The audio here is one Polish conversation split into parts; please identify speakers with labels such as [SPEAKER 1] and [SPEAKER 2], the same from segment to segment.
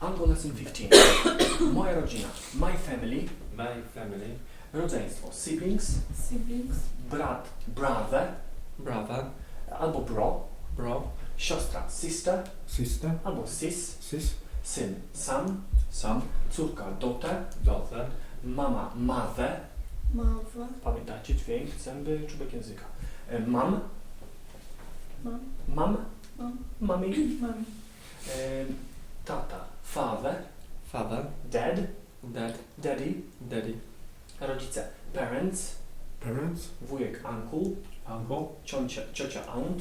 [SPEAKER 1] Angle lesson 15. Moja rodzina. My family.
[SPEAKER 2] My family.
[SPEAKER 1] Rodzeństwo. Siblings.
[SPEAKER 3] Siblings.
[SPEAKER 1] Brat. Brother.
[SPEAKER 2] Brother.
[SPEAKER 1] Albo bro.
[SPEAKER 2] Bro.
[SPEAKER 1] Siostra. Sister.
[SPEAKER 4] Sister.
[SPEAKER 1] Albo sis.
[SPEAKER 4] Sis.
[SPEAKER 1] Syn. Son.
[SPEAKER 2] Son.
[SPEAKER 1] Córka. Daughter.
[SPEAKER 2] Daughter.
[SPEAKER 1] Mama. Mother.
[SPEAKER 3] Mother.
[SPEAKER 1] Pamiętajcie dźwięk, zęby, czubek języka. Mam.
[SPEAKER 3] Mom.
[SPEAKER 1] Mam.
[SPEAKER 3] Mom.
[SPEAKER 1] Mami.
[SPEAKER 3] Mommy.
[SPEAKER 1] Tata. Father.
[SPEAKER 2] Father.
[SPEAKER 1] Dad.
[SPEAKER 2] Dad.
[SPEAKER 1] Daddy.
[SPEAKER 2] Daddy.
[SPEAKER 1] Rodzice. Parents.
[SPEAKER 4] Parents.
[SPEAKER 1] Wujek. Uncle.
[SPEAKER 2] Uncle.
[SPEAKER 1] Ciocia. Aunt.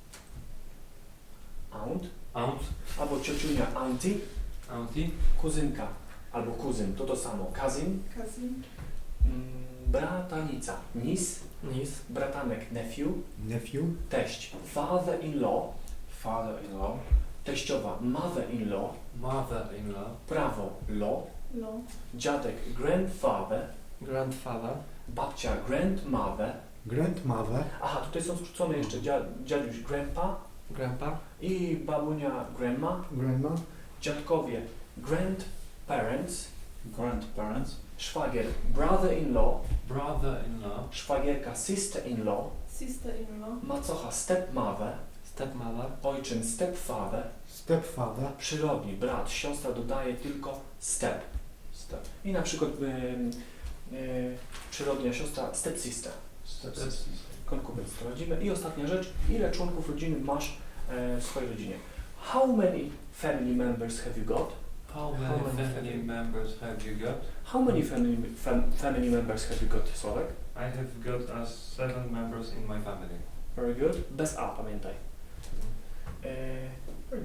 [SPEAKER 1] Aunt.
[SPEAKER 2] Aunt.
[SPEAKER 1] Albo ciociunia. Auntie.
[SPEAKER 2] Auntie.
[SPEAKER 1] Kuzynka. Albo kuzyn. To samo. Cousin.
[SPEAKER 3] Cousin.
[SPEAKER 1] Bratanica. Niece.
[SPEAKER 2] Niece.
[SPEAKER 1] Bratanek. Nephew.
[SPEAKER 4] Nephew.
[SPEAKER 1] Teść. Father-in-law.
[SPEAKER 2] Father-in-law.
[SPEAKER 1] Teściowa. Mother-in-law.
[SPEAKER 2] Mother-in-law.
[SPEAKER 1] Prawo. Law.
[SPEAKER 3] Law.
[SPEAKER 1] Dziadek. Grandfather.
[SPEAKER 2] Grandfather.
[SPEAKER 1] Babcia. Grandmother.
[SPEAKER 4] Grandmother.
[SPEAKER 1] Aha, tutaj są skrócone jeszcze dziaduś. Grandpa.
[SPEAKER 2] Grandpa.
[SPEAKER 1] I babunia. Grandma.
[SPEAKER 4] Grandma.
[SPEAKER 1] Dziadkowie. Grandparents.
[SPEAKER 2] Grandparents.
[SPEAKER 1] Szwagier. Brother-in-law.
[SPEAKER 2] Brother-in-law.
[SPEAKER 1] Szwagierka. Sister-in-law.
[SPEAKER 3] Sister-in-law.
[SPEAKER 1] Macocha. Stepmother.
[SPEAKER 2] Stepmother.
[SPEAKER 1] Ojczym. Stepfather.
[SPEAKER 4] Stepfather.
[SPEAKER 1] Przyrodni. Brat. Siostra dodaje tylko step.
[SPEAKER 2] Step.
[SPEAKER 1] I na przykład przyrodnia siostra. Stepsister.
[SPEAKER 2] Stepsister.
[SPEAKER 1] Konkubent sprawdzimy. I ostatnia rzecz. Ile członków rodziny masz w swojej rodzinie? How many family members have you got?
[SPEAKER 2] How many family members have you got?
[SPEAKER 1] How many family members have you got, Sławek?
[SPEAKER 2] I have got 7 members in my family.
[SPEAKER 1] Very good. Bez A, pamiętaj. Very